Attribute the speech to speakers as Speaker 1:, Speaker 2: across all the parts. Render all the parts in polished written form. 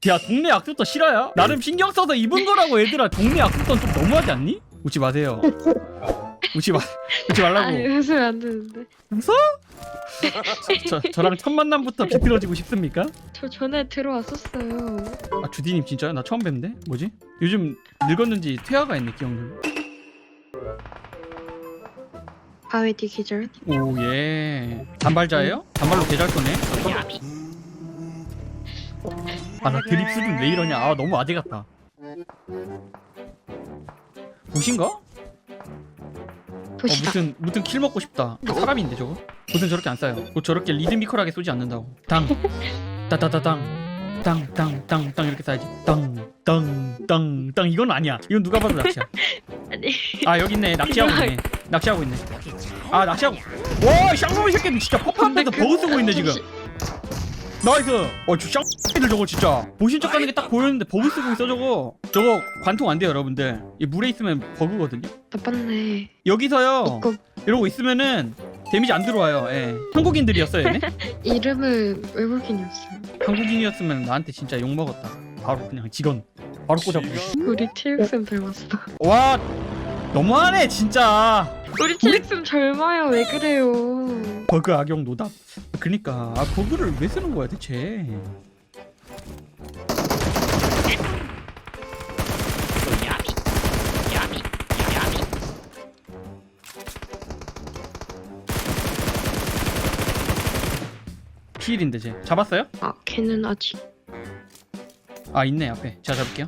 Speaker 1: 야 동네 약속도 싫어요? 나름 신경 써서 입은 거라고 얘들아. 동네 약속도 좀 너무하지 않니? 웃지 마세요. 웃지 말라고.
Speaker 2: 아니 웃으면 안 되는데.
Speaker 1: 웃어? 저랑 첫 만남부터 비틀어지고 싶습니까?
Speaker 2: 저 전에 들어왔었어요.
Speaker 1: 아 주디님 진짜요? 나 처음 뵙는데? 뭐지? 요즘 늙었는지 퇴화가 있네 기억력.
Speaker 2: 바위 뒤 기절.
Speaker 1: 오예. 단발자예요? 단발로 개잘 거네. 아 나 드립 수준 왜 이러냐. 아 너무 아재 같다. 보신가?
Speaker 2: 도시다.
Speaker 1: 무슨 킬 먹고 싶다. 사람인데 저거? 무슨 저렇게 안 쏴요? 뭐 저렇게 리드미컬하게 쏘지 않는다고. 당 따따따당 땅땅땅땅 이렇게 쏴야지. 땅땅땅땅 이건 아니야. 이건 누가 봐도 낚시야.
Speaker 2: 아니.
Speaker 1: 아 여기 있네. 낚시하고 있네. 아 낚시하고. 와 쌍놈의 새끼들 진짜 퍼프한데서 버그 쓰고 있네 지금. 나이스. 저 쌍놈들 저거 진짜 보신 척하는 게 딱 보였는데 버그 쓰고 있어 저거. 저거 관통 안 돼요 여러분들. 이 물에 있으면 버그거든요.
Speaker 2: 나빴네.
Speaker 1: 여기서요
Speaker 2: 이거
Speaker 1: 이러고 있으면은 데미지 안 들어와요. 예. 한국인들이었어요 얘네?
Speaker 2: 이름은 외국인이었어요.
Speaker 1: 한국인이었으면 나한테 진짜 욕 먹었다. 바로 그냥 직원 바로 꽂아보고.
Speaker 2: 우리 TXM 닮았어.
Speaker 1: 와 너무하네 진짜.
Speaker 2: 우리 TXM 젊어요. 왜 그래요?
Speaker 1: 버그 악용 노답. 그니까 버그를 왜 쓰는 거야 대체. 피일인데 쟤 잡았어요?
Speaker 2: 아 걔는 아직.
Speaker 1: 아 있네 앞에. 제가 잡을게요.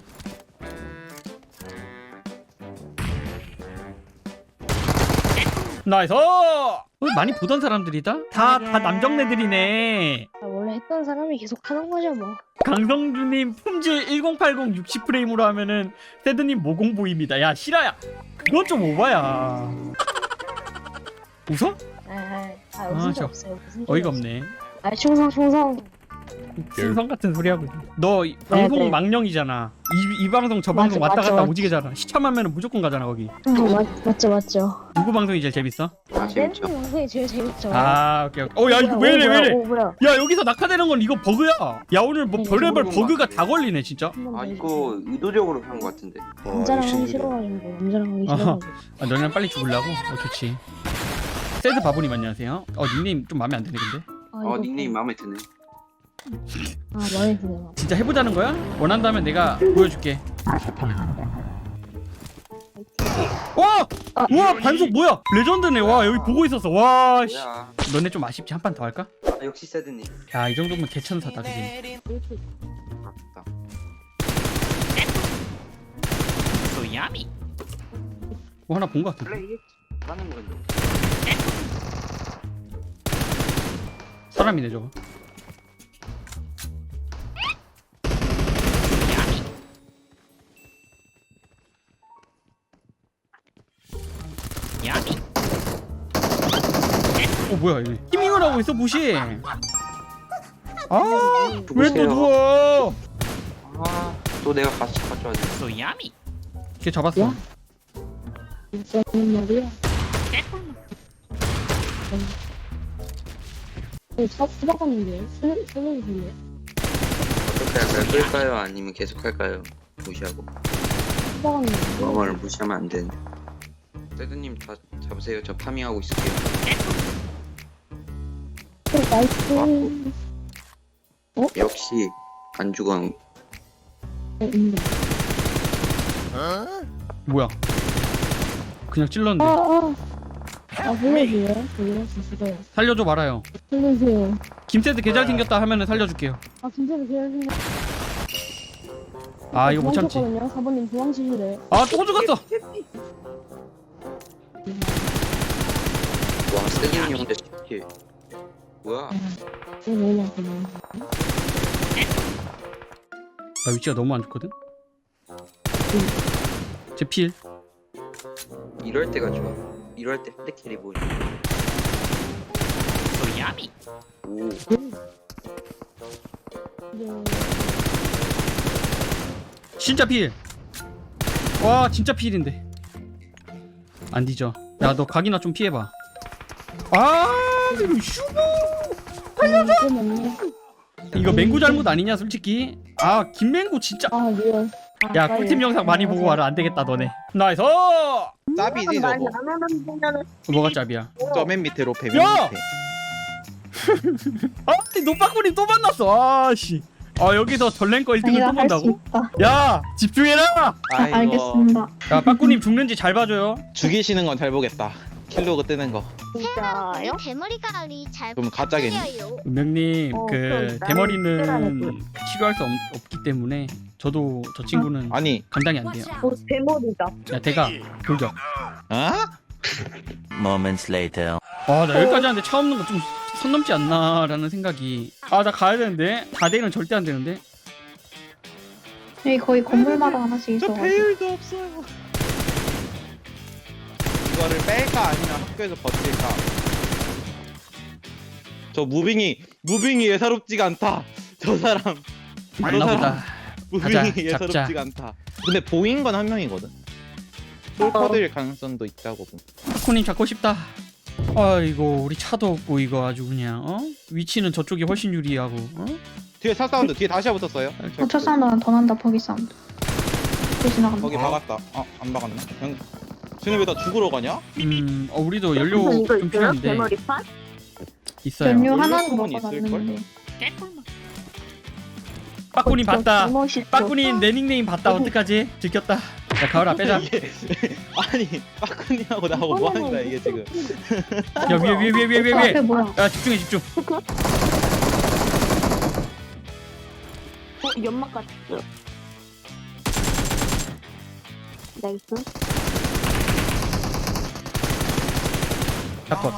Speaker 1: 나이스. 많이 보던 사람들이다. 다 남정네들이네.
Speaker 3: 원래 했던 사람이 계속 하는 거죠 뭐.
Speaker 1: 강성주님 품질 1080 60프레임으로 하면은 세드님 모공보입니다. 야 실화야. 그건 좀 오바야. 웃어?
Speaker 3: 웃을 수
Speaker 1: 저
Speaker 3: 없어요. 무슨
Speaker 1: 어이가
Speaker 3: 소리
Speaker 1: 없네.
Speaker 3: 아 충성.
Speaker 1: 신성 같은 소리 하고 있네. 너 방송
Speaker 3: 네.
Speaker 1: 망령이잖아. 이 방송 저 방송
Speaker 3: 맞아,
Speaker 1: 왔다 갔다
Speaker 3: 맞아.
Speaker 1: 오지게잖아. 시참하면은 무조건 가잖아 거기.
Speaker 3: 맞죠.
Speaker 1: 누구 방송이 제일 재밌어?
Speaker 3: 댄스 영상이 제일 재밌죠.
Speaker 1: 아 오케이. 야 이거 왜 이래.
Speaker 3: 뭐야?
Speaker 1: 야 여기서 낙하되는 건 이거 버그야. 야 오늘 뭐 별의별 버그가 다 걸리네 진짜.
Speaker 4: 아 이거 의도적으로 한 것 같은데.
Speaker 3: 남자랑 하기 싫어가지고 남자랑 하기 싫어가지고.
Speaker 1: 너네랑 빨리 죽으려고? 좋지. 세드 바보님 안녕하세요. 닉네임 좀 마음에 안 드네 근데.
Speaker 3: 이거
Speaker 4: 닉네임 마음에 드네.
Speaker 3: 마음에 드네요.
Speaker 1: 진짜 해보자는 거야? 원한다면 내가 보여줄게. 와! 우와 반속 뭐야? 레전드네. 와 여기 보고 있었어. 와 씨.
Speaker 4: 뭐야?
Speaker 1: 너네 좀 아쉽지? 한 판 더 할까?
Speaker 4: 역시 세드님.
Speaker 1: 야 이 정도면 개천사다 그지?
Speaker 4: 아깝다.
Speaker 1: 뭐 하나 본 거 같은데.
Speaker 4: 원래 이게 하는 건데.
Speaker 1: 사람이네 저거. 뭐야 이게 히밍을 하고 있어 무시. 아 왜 또 누워?
Speaker 4: 또 내가 같이 가져야 돼.
Speaker 1: 걔 잡았어.
Speaker 3: 야? 무슨 말이야? 수박하는데 쓰는 소리야.
Speaker 4: 어떻게 할까요? 끌까요? 아니면 계속 할까요? 무시하고.
Speaker 3: 수박하는데.
Speaker 4: 마마를 무시하면 안 되는데. 세드님 다 잡으세요. 저 파밍하고 있을게요.
Speaker 3: 나이스.
Speaker 4: 역시 안 죽어.
Speaker 1: 뭐야? 그냥 찔렀는데.
Speaker 3: 보여줘요. 보여주세요.
Speaker 1: 살려줘 말아요.
Speaker 3: 살려주세요.
Speaker 1: 김세드 개잘 생겼다 하면은 살려줄게요.
Speaker 3: 진짜로 계속
Speaker 1: 아 이거 못 참지.
Speaker 3: 도망쳤거든요. 4번님 도망치시래.
Speaker 1: 아 또 죽었어.
Speaker 4: 와 세드님 근데 이게 뭐야?
Speaker 3: 너무 많구나.
Speaker 1: 나 위치가 너무 안 좋거든. 제 필.
Speaker 4: 이럴 때가 좋아. 이럴 때 핸드캐리 보여. 오.
Speaker 1: 진짜 필. 와 진짜 필인데. 안 뒤져. 야 너 각이나 좀 피해봐. 아 이거 슈브.
Speaker 3: 살려줘.
Speaker 1: 이거 맹구 잘못 아니냐 솔직히. 아 김맹구 진짜.
Speaker 3: 아 리얼.
Speaker 1: 야 꿀팁 영상 많이 보고 와라. 안 되겠다 너네. 나이스.
Speaker 5: 짭이지 저거.
Speaker 1: 뭐가 짭이야?
Speaker 5: 저 맨 밑에로 배면
Speaker 1: 야!
Speaker 5: 밑에.
Speaker 1: 아 노빠꾸님 또 만났어. 아씨. 아 여기서 전랭거 1등을 또 본다고? 야 집중해라.
Speaker 5: 아이고.
Speaker 6: 알겠습니다.
Speaker 1: 야 빠꾸님 죽는지 잘 봐줘요.
Speaker 5: 죽이시는 건 잘 보겠다. 킬로그 뜨는 거.
Speaker 6: 진짜요?
Speaker 7: 대머리가리 잘
Speaker 5: 그럼 가짜겠네.
Speaker 7: 부탁드려요.
Speaker 1: 은명님
Speaker 6: 어,
Speaker 1: 그
Speaker 6: 그럼
Speaker 1: 대머리는
Speaker 6: 나는
Speaker 1: 치료할 수 없기 때문에 저도 저 친구는
Speaker 5: 아니.
Speaker 1: 감당이 안 돼요.
Speaker 6: 대머리다.
Speaker 1: 야 대가 돌격.
Speaker 5: 아?
Speaker 8: Moments later.
Speaker 1: 나 여기까지 하는데 차 없는 거 좀 선 넘지 않나라는 생각이. 나 가야 되는데 다대는 절대 안 되는데.
Speaker 6: 여기 거의 건물마다 하나씩
Speaker 5: 저
Speaker 6: 있어가지고.
Speaker 5: 배율도 없어요. 이거를 뺄까 아니면 학교에서 버틸까? 저 무빙이 예사롭지가 않다. 저 사람.
Speaker 1: 맞나보다.
Speaker 5: 무빙이
Speaker 1: 가자,
Speaker 5: 예사롭지가
Speaker 1: 잡자.
Speaker 5: 않다. 근데 보인 건 한 명이거든. 볼 퍼드릴 가능성도 있다고 보.
Speaker 1: 코님 잡고 싶다. 아이고 우리 차도 없고 이거 아주 그냥 위치는 저쪽이 훨씬 유리하고
Speaker 5: 뒤에 차 사운드. 뒤에 다시야 붙었어요.
Speaker 6: 첫 사운드는 더 난다. 버기 사운드. 또 지나간다.
Speaker 5: 거기 박았다. 안 박았네. 그냥 쟤네 왜 다 죽으러 가냐?
Speaker 1: 우리도 연료 좀 필요한데 있어요.
Speaker 6: 연료 하나는
Speaker 5: 소문이
Speaker 6: 먹어놨는데.
Speaker 1: 빠꾸님 봤다.
Speaker 6: 멋있어.
Speaker 1: 빠꾸님 내 닉네임 봤다. 어떡하지? 들켰다. 야 가을아 빼자.
Speaker 5: 이게 아니 빠꾸님하고 나하고 뭐 하는 거야 이게 지금.
Speaker 1: 야 위에
Speaker 6: 앞에 뭐야?
Speaker 1: 야 집중해 집중.
Speaker 6: 연막 같았어. 나이스.
Speaker 1: 잡컷.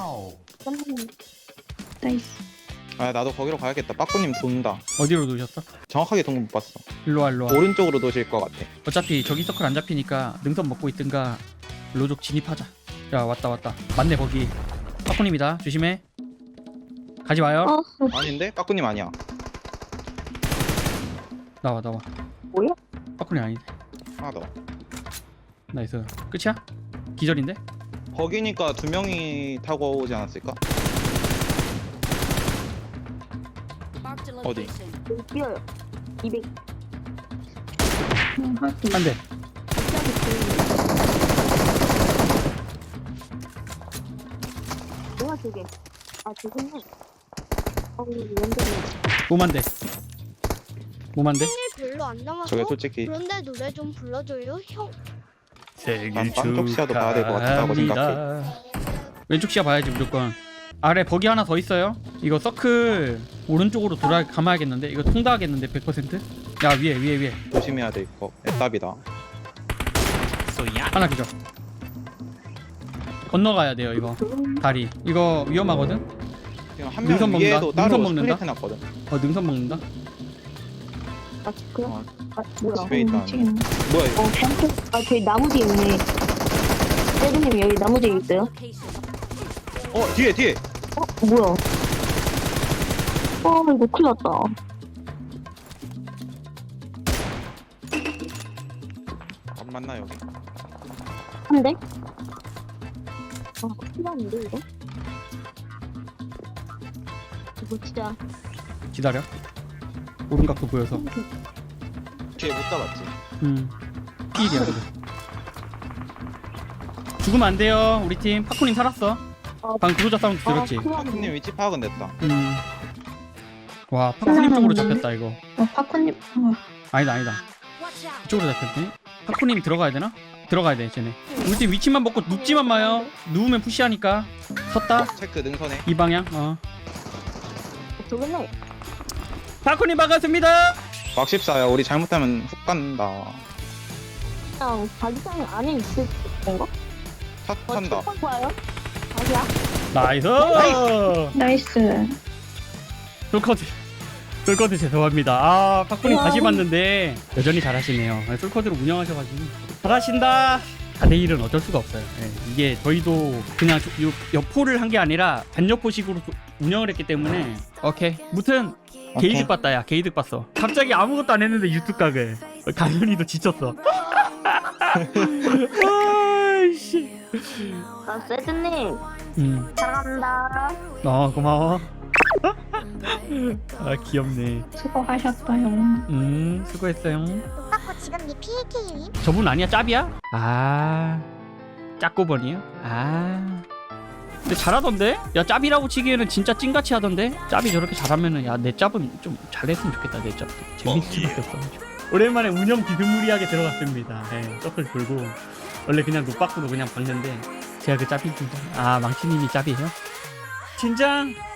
Speaker 6: 나이스.
Speaker 5: 아 나도 거기로 가야겠다. 빠꾸님 돈다.
Speaker 1: 어디로 놓으셨어?
Speaker 5: 정확하게 돈 못 봤어.
Speaker 1: 일로와
Speaker 5: 오른쪽으로 도실 것 같아.
Speaker 1: 어차피 저기 서클 안 잡히니까 능선 먹고 있든가 로족 진입하자. 야 왔다 맞네 거기. 빠꾸님이다 조심해. 가지 마요.
Speaker 5: 아닌데? 빠꾸님 아니야.
Speaker 1: 나와
Speaker 6: 뭐야?
Speaker 1: 빠꾸님 아닌데.
Speaker 5: 하나 더.
Speaker 1: 나이스. 끝이야? 기절인데?
Speaker 5: 거기니까 두 명이 타고 오지 않았을까? 어디?
Speaker 6: 뛰어요. 200.
Speaker 1: 한 대.
Speaker 6: 뭐야 저게? 아 저거는. 완전히.
Speaker 1: 몸한대. 몸한대.
Speaker 7: 생일 별로 안 남았어.
Speaker 5: 저게 솔직히
Speaker 7: 그런데 노래 좀 불러줘요, 형.
Speaker 1: 생일
Speaker 5: 난 깜쪽 시야도 봐야 될것 같다고
Speaker 1: 축하합니다. 왼쪽 시야 봐야지 무조건. 아래 버기 하나 더 있어요. 이거 서클 오른쪽으로 돌아 감아야겠는데. 이거 통과하겠는데 100%. 야 위에
Speaker 5: 조심해야 될 거. 애답이다.
Speaker 1: 하나 기절. 건너가야 돼요 이거 다리. 이거 위험하거든.
Speaker 5: 지금 한
Speaker 1: 능선
Speaker 5: 명
Speaker 1: 먹는다.
Speaker 5: 위에도 따로
Speaker 1: 능선 먹는다.
Speaker 5: 스프레이 해놨거든.
Speaker 1: 능선 먹는다.
Speaker 6: 아 그래?
Speaker 5: 어,
Speaker 6: 아 뭐야?
Speaker 5: 집에 있다.
Speaker 6: 미치겠네.
Speaker 5: 뭐야 이거?
Speaker 6: 아 저기 나무 뒤에 있네. 세드님 여기 나무 뒤에 있어요?
Speaker 5: 뒤에.
Speaker 6: 뭐야? 이거 큰일 났다.
Speaker 5: 안 만나 여기.
Speaker 6: 한 대? 큰일 났는데 이거? 이거 진짜
Speaker 1: 기다려. 오른각도 보여서.
Speaker 5: 뒤에 못 잡았지.
Speaker 1: 피일이야 그래. 죽으면 안 돼요 우리 팀. 파쿠님 살았어. 방금 구조자 사운드 들었지?
Speaker 6: 큰일 났네.
Speaker 5: 빠꾸님 위치 파악은 됐다.
Speaker 1: 와 파쿠님 쪽으로 잡혔다 이거.
Speaker 6: 파쿠님.
Speaker 1: 아니다 이쪽으로 잡혔네. 파쿠님이 들어가야 되나? 들어가야 돼 쟤네. 우리 팀 위치만 먹고 눕지만 마요. 누우면 푸시하니까. 섰다
Speaker 5: 체크 능선에.
Speaker 1: 이 방향.
Speaker 6: 저기네.
Speaker 1: 파쿠님 반갑습니다.
Speaker 5: 막 14야. 우리 잘못하면 훅 간다.
Speaker 6: 그냥 자기장 안에 있을 건가?
Speaker 5: 차 탄다.
Speaker 6: 첫 봐요? 자기야?
Speaker 1: 나이스.
Speaker 6: 나이스.
Speaker 1: 솔커드 죄송합니다. 파쿠님 다시 봤는데 여전히 잘하시네요. 솔커드로 운영하셔가지고 잘하신다. 4대1은 어쩔 수가 없어요. 이게 저희도 그냥 여포를 한 게 아니라 반여포식으로 운영을 했기 때문에. 오케이. 무튼 게이득 봤다. 야 게이득 봤어. 갑자기 아무것도 안 했는데 유튜브 각을. 강현이도 지쳤어. 아이씨.
Speaker 6: 세드님.
Speaker 1: 음.
Speaker 6: 사랑합니다.
Speaker 1: 고마워. 아 귀엽네.
Speaker 6: 수고하셨어요.
Speaker 1: 수고했어요.
Speaker 7: 똑같고 지금 니 PAK님?
Speaker 1: 저분 아니야? 짭이야? 아 짭고번이요? 아 근데 잘하던데? 야 짭이라고 치기에는 진짜 찐같이 하던데? 짭이 저렇게 잘하면은 야 내 짭은 좀 잘했으면 좋겠다. 내 짭도 재밌을 수밖에 없어. 오랜만에 운영 비스무리하게 들어갔습니다. 예, 서클 돌고 원래 그냥 룩박으로 그냥 박는데 제가 그 짭이 진짜 아 망치님이 짭이에요? 진장